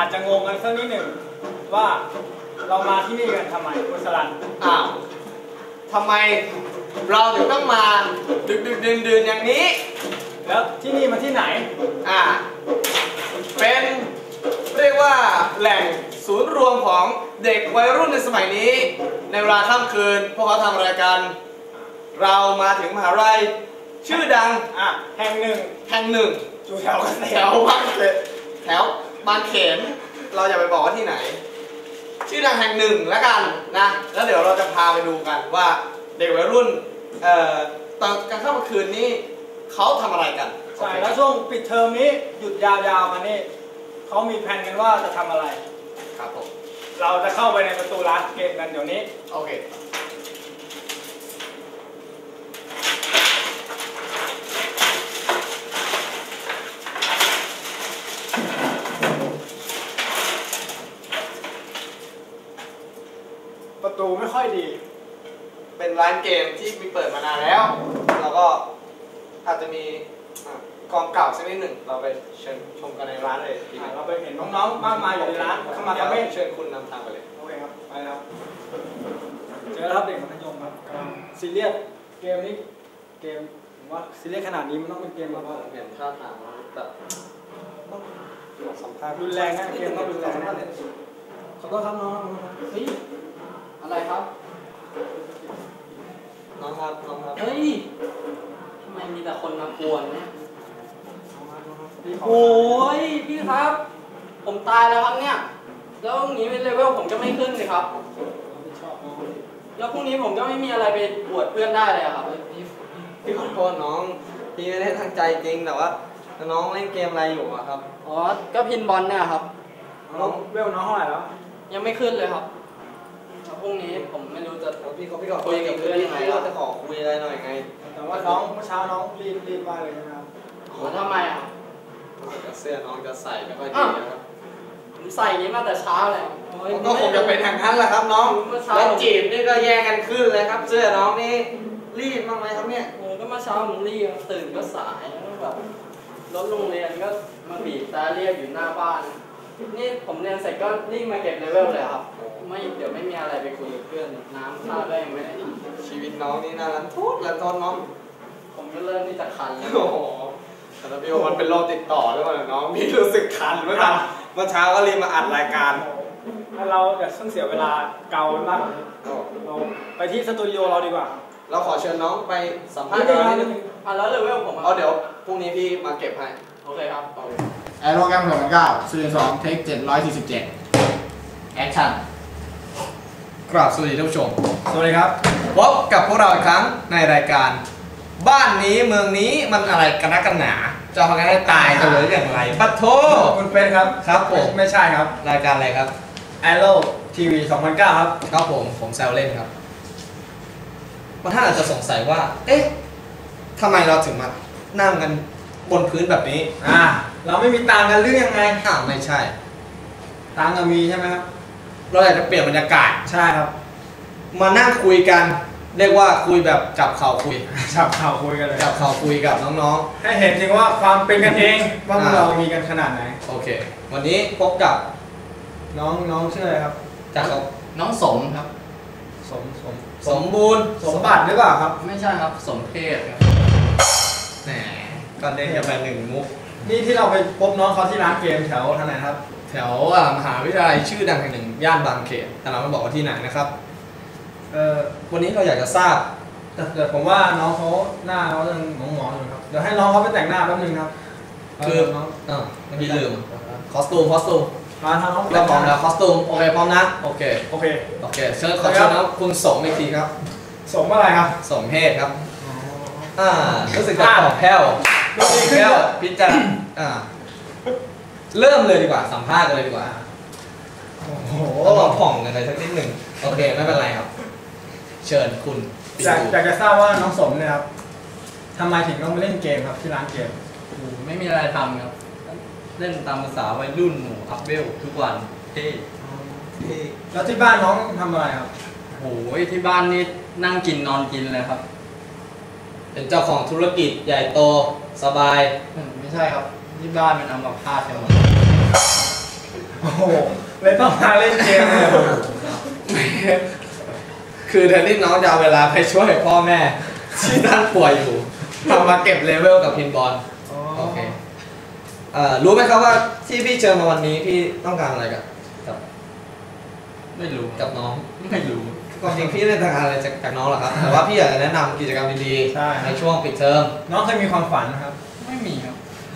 จจะงงกันสักนิดหนึ่งว่าเรามาที่นี่กันทำไมคุณสรันทำไมเราถึงต้องมาดึกดื่นอย่างนี้แล้วที่นี่มาที่ไหนเป็นเรียกว่าแหล่งศูนย์รวมของเด็กวัยรุ่นในสมัยนี้ในเวลาค่ำคืนพวกเขาทำอะไรกันเรามาถึงมหาลัยชื่อดังแห่งหนึ่งอยู่แถวบางเขนเราอย่าไปบอกว่าที่ไหนชื่อดังแห่งหนึ่งแล้วกันนะแล้วเดี๋ยวเราจะพาไปดูกันว่าเด็กวัยรุ่นตอนกลางค่ำคืนนี้เขาทำอะไรกันใช่แล้วช่วงปิดเทอมนี้หยุดยาวๆมานี่เขามีแผนกันว่าจะทำอะไรครับผมเราจะเข้าไปในประตูร้านเกมกันเดี๋ยวนี้โอเคประตูไม่ค่อยดีเป็นร้านเกมที่มีเปิดมานานแล้วแล้วก็อาจจะมีกองเก่าสักนิดหนึ่งเราไปเชิญชมกันในร้านเลยเราไปเห็นน้องๆมากมายอยู่ในร้านเข้ามาไม่เชิญคุณนำทางไปเลยโอเคครับไปครับเจอแล้วครับเด็กมัธยมครับกำลังซีเรียสเกมนี้เกมผมว่าซีเรียสขนาดนี้มันต้องเป็นเกมแบบว่าเห็นท่าทางแบบสัมภาษณ์รุนแรงนะเกมต้องรุนแรงนะขอโทษครับน้องเฮ้ยอะไรครับน้องครับเฮ้ยทำไมมีแต่คนมากวนเนี่ยโอ้ยพี่ครับผมตายแล้วครับเนี่ยแล้วอย่างนี้เลเวลผมจะไม่ขึ้นเลยครับแล้วพรุ่งนี้ผมก็ไม่มีอะไรไปบวชเพื่อนได้เลยครับพี่ขอโทษน้องพี่ไม่ได้ตั้งใจจริงแต่ว่าน้องเล่นเกมอะไรอยู่ครับอ๋อก็พินบอลเนี่ยครับน้องเวลน้องเท่าไหร่แล้วยังไม่ขึ้นเลยครับพรุ่งนี้ผมไม่รู้จะพี่ขอคุยกับเพื่อนยังไงเราจะขอคุยอะไรหน่อยไงแต่ว่าน้องเมื่อเช้าน้องรีบมากเลยนะครับทำไมเสื้อน้องจะใส่ไม่ค่อยดีนะครับผมใส่อย่างนี้มาแต่เช้าเลยก็คงจะเป็นทางนั้นแหละครับน้องแล้วจีบนี่ก็แย่งกันขึ้นเลยครับเสื้อน้องนี่รีบมากไหมครับเนี่ยก็เมื่อเช้าผมรีบตื่นก็สายแบบรถโรงเรียนก็มาบีบแต่เรียกอยู่หน้าบ้านนี่ผมเรียนเสร็จก็รีบมาเก็บเลเวลเลยครับไม่เดี๋ยวไม่มีอะไรไปคุยกับเพื่อนน้ำท่าก็ยังไม่ได้ชีวิตน้องนี่น่ารักทุกละทนน้องผมก็เริ่มที่จะคันแล้วโอ้โหแต่พี่ว่ามันเป็นโรคติดต่อหรือเปล่าน้องพี่รู้สึกคันเมื่อเช้าก็รีบมาอัดรายการถ้าเราจะเสียเวลาเกาบ้างเราไปที่สตูดิโอเราดีกว่าเราขอเชิญน้องไปสัมภาษณ์กันนิดนึงแล้วเลเวลผมเดี๋ยวพรุ่งนี้พี่มาเก็บให้โอเคครับแอโรแกรม9ซีซั่น2เทค747แอคชั่นกราบสวัสดีท่านผู้ชมสวัสดีครับพบกับพวกเราอีกครั้งในรายการบ้านนี้เมืองนี้มันอะไรกันนักกันหนาจะพากันให้ตายจะเลยอย่างไรปัทโธคุณเป็นครับผมไม่ใช่ครับรายการอะไรครับ Aero TV 2009ครับครับผมแซวเล่นครับบางท่านอาจจะสงสัยว่าเอ๊ะทำไมเราถึงมานั่งกันบนพื้นแบบนี้เราไม่มีตังกันหรือยังไงไม่ใช่ตังก็มีใช่ไหมครับเราอยากจะเปลี่ยนบรรยากาศใช่ครับมานั่งคุยกันเรียกว่าคุยแบบจับเข่าคุยกันเลยจับเข่าคุยกับน้องๆให้เห็นจริงว่าความเป็นกันเองว่าเรามีกันขนาดไหนโอเควันนี้พบกับน้องชื่ออะไรครับจากน้องสมครับสมบูรณ์สมบัติหรือเปล่าครับไม่ใช่ครับสมเพศครับแหมก็ได้แค่ไป1 มุกนี่ที่เราไปพบน้องเขาที่ร้านเกมแถวทางไหนครับแถวมหาวิทยาลัยชื่อดังแห่งหนึ่งย่านบางเขนแต่เราไม่บอกว่าที่ไหนนะครับวันนี้เราอยากจะทราบแต่ผมว่าน้องเขาหน้าเขายังหมองๆอยู่ครับเดี๋ยวให้น้องเขาไปแต่งหน้าแป๊บนึงครับคือน้องเมื่อกี้ลืมคอสตูมมาทางน้องเราพร้อมแล้วคอสตูมโอเคพร้อมนะโอเคเชิญขอเชิญนะคุณสมอีกทีครับสมอะไรครับสมเพศครับรู้สึกจะตอบแพ้วพิจารณาเริ่มเลยดีกว่าสัมภาษณ์กันเลยดีกว่าโอ้โหเราผ่องกันเลยสักนิดหนึ่งโอเคไม่เป็นไรครับเชิญคุณอยากจะทราบว่าน้องสมเนี่ยครับทำไมถึงต้องมาเล่นเกมครับที่ร้านเกมไม่มีอะไรทำครับเล่นตามภาษาวัยรุ่นอัพเวลทุกวันแล้วที่บ้านน้องทำอะไรครับโอ้ยที่บ้านนี่นั่งกินนอนกินเลยครับเป็นเจ้าของธุรกิจใหญ่โตสบายไม่ใช่ครับที่บ้านเป็นอัมพาตกันหมดโอ้โหเลยต้องมาเล่นเกมเลยคือแทนที่น้องจะเอาเวลาไปช่วยพ่อแม่ที่ท่านป่วยอยู่ทำมาเก็บเลเวลกับพินบอลโอเครู้ไหมครับว่าที่พี่เจอมาวันนี้พี่ต้องการอะไรกับไม่รู้กับน้องไม่รู้ความจริงพี่ไม่ได้ต้องการอะไรจากน้องหรอกครับแต่ว่าพี่อยากจะแนะนำกิจกรรมดีๆในช่วงปิดเทอมน้องเคยมีความฝันนะครับไม่มีครับ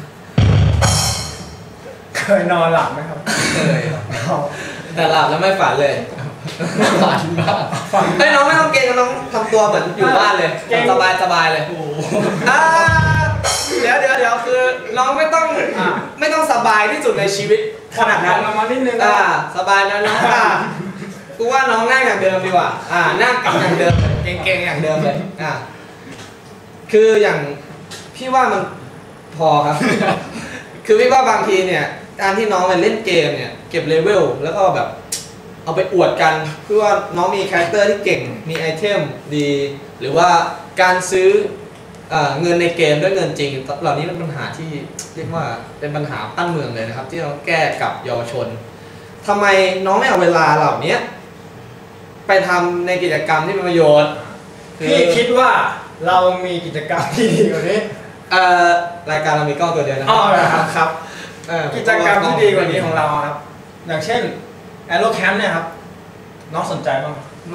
เคยนอนหลับไหมครับเคยแต่หลับแล้วไม่ฝันเลยฝันบ้างฝันไอ้ยน้องไม่ต้องเก่งน้องทำตัวเหมือนอยู่บ้านเลยเก่งสบายเลยโอ้โหอ่าเดี๋ยวคือน้องไม่ต้องสบายที่สุดในชีวิตขนาดนั้นลงมานิดนึงสบายแล้วน้องกูว่าน้องนั่งอย่างเดิมดีกว่านั่งกับอย่างเดิมเก่งๆอย่างเดิมเลยคืออย่างพี่ว่ามันพอครับ คือพี่ว่าบางทีเนี่ยการที่น้องไปเล่นเกมเนี่ยเก็บเลเวลแล้วก็แบบเอาไปอวดกันเพื่อว่าน้องมีคาแรคเตอร์ที่เก่งมีไอเทมดี หรือว่าการซื้อเงินในเกมด้วยเงินจริงเหล่านี้เป็นปัญหาที่เรียกว่าเป็นปัญหาตั้งเมืองเลยนะครับที่เราแก้กับเยาวชนทำไมน้องไม่เอาเวลาเหล่านี้ไปทำในกิจกรรมที่เป็นประโยชน์พี่คิดว่าเรามีกิจกรรมที่ดีกว่านี้รายการเรามีกล้องตัวเดียวนะอ๋อเหรอครับครับกิจกรรมที่ดีกว่านี้ของเราครับ อย่างเช่น Aero Camp เนี่ยครับ น้องสนใจบ้างไหมไม่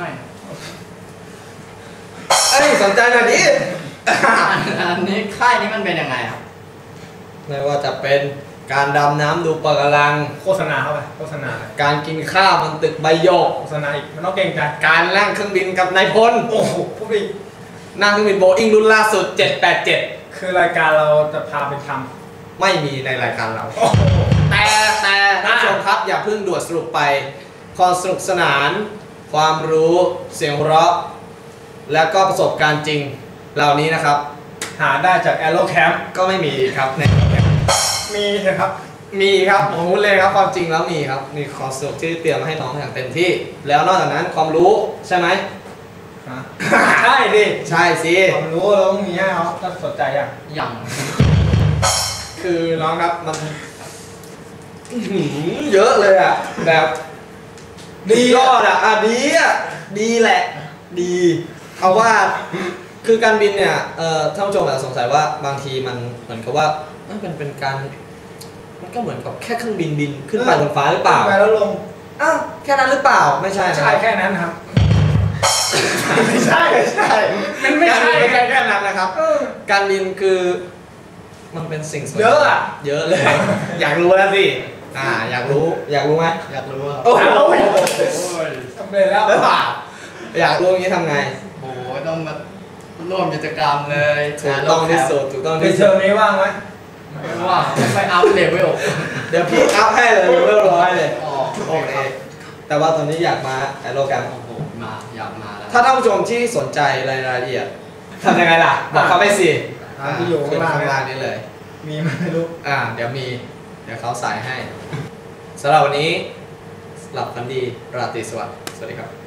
สนใจหน่อยดิอันนี้ค่ายนี้มันเป็นยังไงครับไม่ว่าจะเป็นการดำน้ำดูปะการังโฆษณาเข้าไปโฆษณาเลยการกินข้าวบนตึกใบหยกโฆษณาอีกมันต้องเก่งใจการนั่งเครื่องบินกับนายพลโอ้โหพูดอีกนั่งเครื่องบินโบอิงรุ่นล่าสุด 787 คือรายการเราจะพาไปทไม่มีในรายการเราำโอ้โหแต่ท่านผู้ชมครับอย่าเพิ่งด่วนสรุปไปความสนุกสนาน ความรู้เสียงหัวเราะ แล้วก็ประสบการณ์จริงเหล่านี้นะครับหาได้จาก Aero Camp ก็ไม่มีครับในมีนะครับมีครับผมพูดเลยครับความจริงแล้วมีครับมีความสนุกที่เตรียมมาให้น้องอย่างเต็มที่ แล้วนอกจากนั้นความรู้ใช่ไหมใช่ดิใช่สิความรู้เราต้องมีให้เขาถ้าสนใจอย่างอย่างคือน้องครับมันเยอะเลยอ่ะแบบดียอดดีดีแหละดีเอาว่าคือการบินเนี่ยท่านผู้ชมอาจจะสงสัยว่าบางทีมันเหมือนกับว่ามันเป็นการมันก็เหมือนกับแค่เครื่องบินขึ้นไปบนฟ้าหรือเปล่าไปแล้วลงอ้าวแค่นั้นหรือเปล่าไม่ใช่นะใช่แค่นั้นครับ ไม่ใช่มันไม่ใช่แค่นั้นนะครับการบินคือมันเป็นสิ่งสวยเยอะอะเยอะเลย อยากรู้แล้วสิอยากรู้ไหมอยากรู้ว่าโอ้โหสำเร็จแล้วอยากรู้อย่างนี้ทำไงโอ้โหต้องมาร่วมกิจกรรมเลยถูกต้องที่สุดถูกต้องในที่เทสุอดมนี้ว่างไหมไม่ว่าไปอัพเลเวลเดี๋ยวพี่อัพให้เลยเลเวล100เลยอ๋อโอเคแต่ว่าตอนนี้อยากมาแอโรแกรมโอ้โหอยากมาแล้วถ้าท่านผู้ชมที่สนใจรายละเอียดทำยังไงล่ะบอกเขาไปสิที่อยู่ข้างล่างข้างล่างนี้เลยมีไหมไม่รู้เดี๋ยวเขาใส่ให้สำหรับวันนี้หลับฝันดีราตรีสวัสดิ์สวัสดีครับ